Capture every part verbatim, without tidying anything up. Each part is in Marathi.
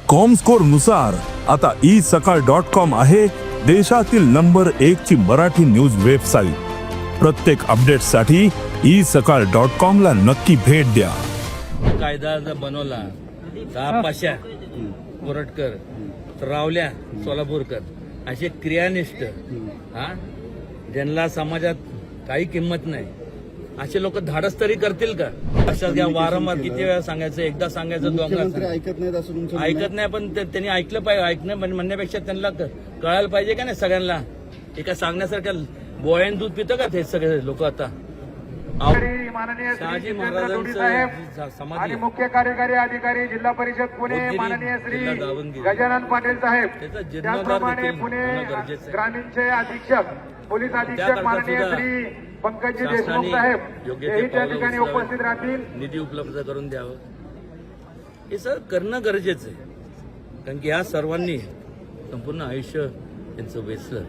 कॉमस्कोर नुसार आता ई सकाळ डॉट कॉम आहे देशातील नंबर एक ची मराठी न्यूज वेबसाईट। प्रत्येक अपडेटसाठी ई सकाळ डॉट कॉम ला नक्की भेट द्या। कायदा जर बनवला दहा पाशा कोरटकर, रावल्या सोलापूरकर असे क्रियानिष्ठ हा ज्यांना समाजात काही किंमत नाही असे लोक धाडस तरी करतील का? अशाच घ्या वारंवार किती वेळा सांगायचं, एकदा सांगायचं दोनदा ऐकत नाहीत असं तुमचं ऐकत नाही। पण ते- त्यांनी ऐकलं पाहिजे, ऐकणं म्हणण्यापेक्षा त्यांना कळायला पाहिजे का नाही सगळ्यांना। एका सांगण्यासारख्या बोळ्यान दूध पितं का ते सगळे लोक आता? माननीय श्री शहाजी जितेंद्र जोडी महाराजांचं साहेब समाधी आणि मुख्य कार्यकारी अधिकारी जिल्हा परिषद पुणे बोधगिरी, माननीय श्री जिल्हा दावणगिरी. गजानन पाटील साहेब, त्याचा जीर्णोद्धार त्याचप्रमाणे देखील पुणे होणं गरजेचं आहे. ग्रामीणचे अधीक्षक पोलीस अधीक्षक त्याकरता माननीय सुद्धा श्री पंकजी शासनाने देशमुख साहेब योग्य ते हेही त्या पावलं ठिकाणी उचलावीत. उपस्थित राहतील। निधी उपलब्ध करून द्यावं हे सर करणं गरजेचं आहे। कारण की या सर्वांनी संपूर्ण आयुष्य त्यांचं वेचलं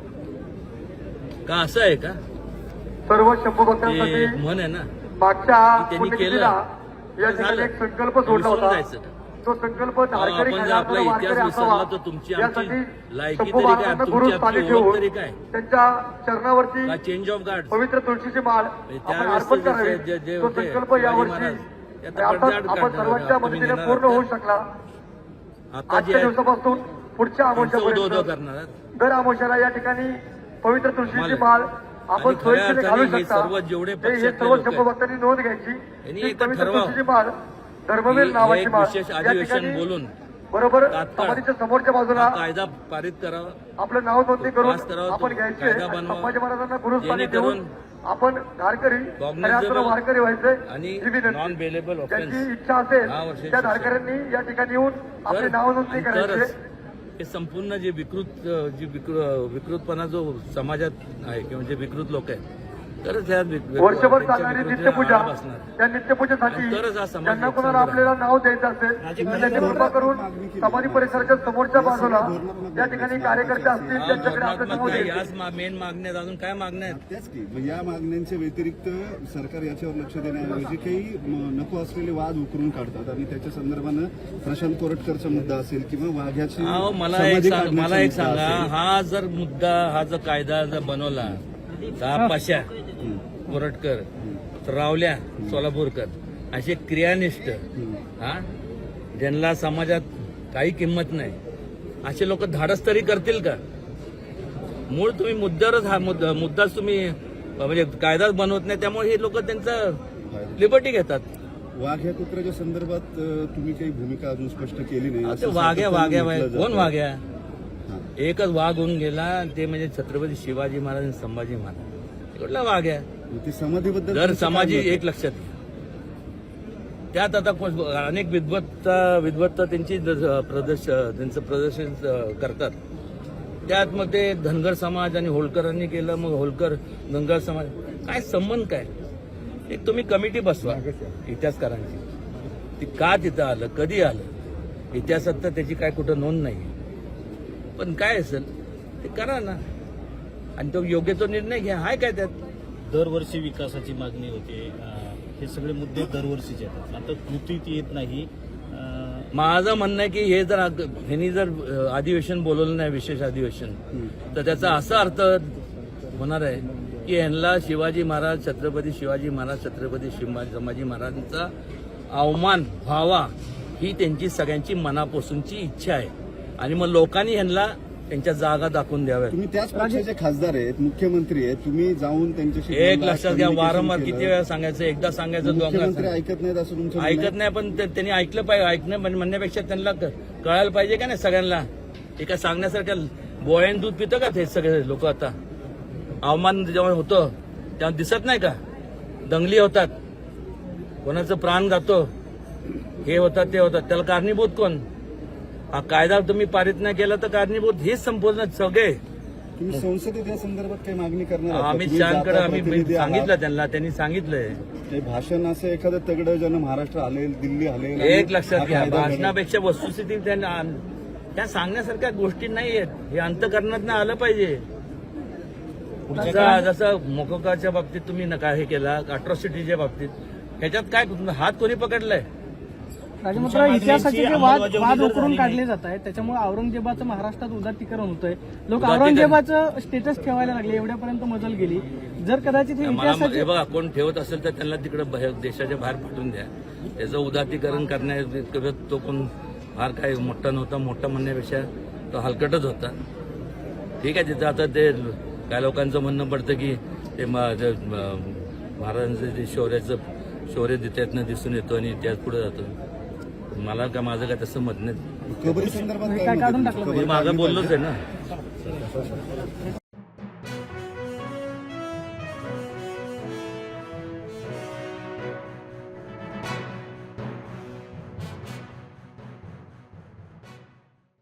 का? असं आहे का? सर्व शंभू ते भक्तांसाठी म्हण आहे ना, मागच्या त्यांनी पुण्यतिथीला केलं या तर ठिकाणी झालं. एक संकल्प सोडला विसरून होता। जायचं का? तो संकल्प धारकरी आपण जर आपला खंडातून इतिहास वारकरी विसरला असावा तर तुमची आमची यासाठी लायकी शंभू तरी काय, महाराजांना तुमची गुरु आपली स्थानी ओळख ठेवून तरी काय? त्यांच्या चरणावरती का चेंज ऑफ गार्ड पवित्र तुळशीची माळ आपण त्यावेळेस अर्पण जे- करावी। जे- जे तो होते, संकल्प शिवाजी यावर्षी महाराज, त्याचा अर्थात पडद्याआड आपण काढणार सर्वांच्या आहात. तुम्ही मदतीने नेणार पूर्ण आहात होऊ का? शकला। आता जे आजच्या आहे, दिवसापासून पुढच्या तुमचं उदो उदो आमोशापर्यंत करणार आहात. दर आमोशाला या ठिकाणी पवित्र तुळशीची मला- माळ आपण आणि खऱ्या सोयीस्कर घालू अर्थाने हे शकता। सर्व जेवढे ते हे पक्षातले सर्व लोक शंभू आहेत, भक्तांनी नोंद घ्यायची। यांनी ही एकदा पवित्र ठरवा. तुळशीची माळ धर्मवीर हे नावाची एक माळ विशेष या अधिवेशन ठिकाणी बोलून बरोबर तात्काळ समाधीच्या समोरच्या बाजूला हा कायदा पारित करावा, आपलं नाव नोंदणी करून पास करावा, आपण तो घ्यायचे कायदा आणि बनवा. संभाजी महाराजांना गुरुस्थानी जेणेकरून देऊन आपण धारकरी cognizable खऱ्या अर्थानं वारकरी व्हायचे आणि ही विनंती। नॉन बेलेबल ऑफेन्स ज्यांची इच्छा असेल दहा वर्षाची त्या शिक्षा. धारकऱ्यांनी या ठिकाणी येऊन आपले तर- नाव नोंदणी आणि करायचे। तरच हे संपूर्ण जे विकृत जी विकृ- विकृतपणा जो समाजात आहे किंवा जे विकृत लोक आहेत तरच ह्या विक- वर्षभर त्यांच्या चालणारी विकृतीला नित्यपूजा आळा बसणार. त्या नित्यपूजेसाठी आणि तरच हा समाज ज्यांना एक कोणाला संग्राम. आपल्याला नाव द्यायचं असेल तर त्यांनी कृपा करून समाधी परिसराच्या समोरच्या बाजूला या ठिकाणी कार्यकर्ते असतील हा, त्यांच्याकडे आपलं नाव धोरणात्मक नाही, द्यायचं। याच मेन मागण्यात अजून काय मागण्या आहेत? त्याच की मग या मागण्यांच्या व्यतिरिक्त सरकार याच्यावर लक्ष देण्याऐवजी काही म, नको असलेले वाद उकरून काढतात आणि त्याच्या संदर्भानं प्रशांत कोरटकरचा मुद्दा असेल किंवा वाघ्याची अहो, मला एक समाधी सांग काढण्याचा मला एक मुद्दा सांगा, असेल. हा जर मुद्दा हा जर कायदा जर बनवला दहा पाशा कोरटकर, रावल्या सोलापूरकर असे क्रियानिष्ठ हा ज्यांना समाजात काही किंमत नाही असे लोक धाडस तरी करतील का? मूळ तुम्ही मुद्द्यावरच हा मुद्दा मुद्दाच तुम्ही म्हणजे कायदाच बनवत नाही, त्यामुळे हे लोक त्यांचं लिबर्टी घेतात. वाघ या कुत्र्याच्या संदर्भात अ, तुम्ही काही भूमिका अजून स्पष्ट केली नाही ते असं वाघ्या सातत्यानं वाघ्या म्हटलं वाघ्या कोण जातं. वाघ्या? हां. एकच वाघ होऊन गेला, ते म्हणजे छत्रपती शिवाजी महाराज आणि संभाजी महाराज. कुठला वाघ आहे? मग ते समाधीबद्दल दर तुमचं काय समाजी मत आहे? एक लक्षात घ्या. त्यात आता कोण- अनेक विद्वत्ता विद्वत्ता त्यांची द- प्रदर्शन त्यांचं प्रदर्शन अं, करतात. त्यात मग ते धनगर समाज आणि होळकरांनी केलं, मग होळकर धनगर समाज काय संबंध काय? एक तुम्ही कमिटी बसवा इतिहासकारांची, ती का तिथं आलं, कधी आलं, इतिहासात तर त्याची काय कुठं नोंद नाही. पण काय असेल ते करा ना आणि तो योग्य तो निर्णय घ्या. हाय काय त्यात? दरवर्षी विकासाची मागणी होते. अं, हे सगळे मुद्दे दरवर्षीचे येतात. आता कृतीत येत नाही. अं, माझं म्हणणं आहे की हे जर अग- ह्यांनी जर अ, अधिवेशन बोलवलं नाही, विशेष अधिवेशन, तर त्याचा असा अर्थ होणार आहे की यांना शिवाजी महाराज, छत्रपती शिवाजी महाराज, छत्रपती शिवाजी संभाजी महाराजांचा अवमान व्हावा ही त्यांची सगळ्यांची मनापासूनची इच्छा आहे. आणि मग लोकांनी ह्यांना त्यांच्या जागा दाखवून द्याव्या. तुम्ही त्याच पक्षाचे खासदार आहेत, मुख्यमंत्री आहेत, तुम्ही जाऊन त्यांच्याशी एक बोललात, लक्षात घ्या, communication वारंवार केलं. किती वेळा सांगायचं, एकदा सांगायचं मुख्यमंत्री दोनदा ऐकत नाहीत असं तुमचं म्हणणं आहे? ऐकत नाही. पण ते- त्यांनी ऐकलं पाहिजे, ऐकणं म्हण- म्हणण्यापेक्षा त्यांना क- कळायला पाहिजे का नाही सगळ्यांना? एका सांगण्यासारख्या बोळ्यान दूध पितं का ते सगळे लोक आता? अवमान जेव्हा होतं तेव्हा दिसत नाही का? दंगली होतात, कोणाचं प्राण जातो, हे होतात ते होतात, त्याला कारणीभूत कोण? हा कायदा तुम्ही पारित नाही केला तर कारणीभूत हेच संपूर्ण सगळे. तुम्ही संसदेत या संदर्भात काही मागणी करणार आहात का? अमित तुम्ही शहाकडे जाता आम्ही प्रतिनिधी आहात. सांगितलं त्यांना, त्यांनी सांगितलंय. काही भाषण असं एखादं तगडं ज्यानं महाराष्ट्र हलेल, दिल्ली हलेल आणि एक लक्षात हा घ्या, कायदा घडेल. भाषणापेक्षा वस्तुस्थिती त्यांना त्या सांगण्यासारख्या गोष्टी नाही आहेत. हे अंतकरणात आलं पाहिजे. जसं जसं मोकोकाच्या बाबतीत तुम्ही नका हे केला, अट्रॉसिटीच्या बाबतीत ह्याच्यात काय हात कोणी पकडलाय? राजमात्र इतिहासाचे जे वाद वाद उकरून काढले जात आहेत त्याच्यामुळे औरंगजेबाचं महाराष्ट्रात उदात्तीकरण होतंय. लोक औरंगजेबाचं स्टेटस ठेवायला लागले, एवढ्यापर्यंत मजल गेली. जर कदाचित हे मला इतिहासाचे हे बघा, कोण ठेवत असेल तर त्यांना तिकडे बाहेर देशाच्या बाहेर पाठवून द्या. त्याचं उदातीकरण करण्यात तो कोण फार काय मोठा नव्हता. मोठा म्हणण्यापेक्षा तो हलकटच होता. ठीक आहे, तिथं आता ते काय लोकांचं म्हणणं पडतं की ते म- जे, म- महाराजांचं जे शौर्याचं शौर्य त्यातनं दिसून येतो आणि त्यात पुढे जातो. मला का माझं काय तसं मत नाही. कबरी संदर्भात काय काढून टाकलं मी मागं बोललोच आहे ना.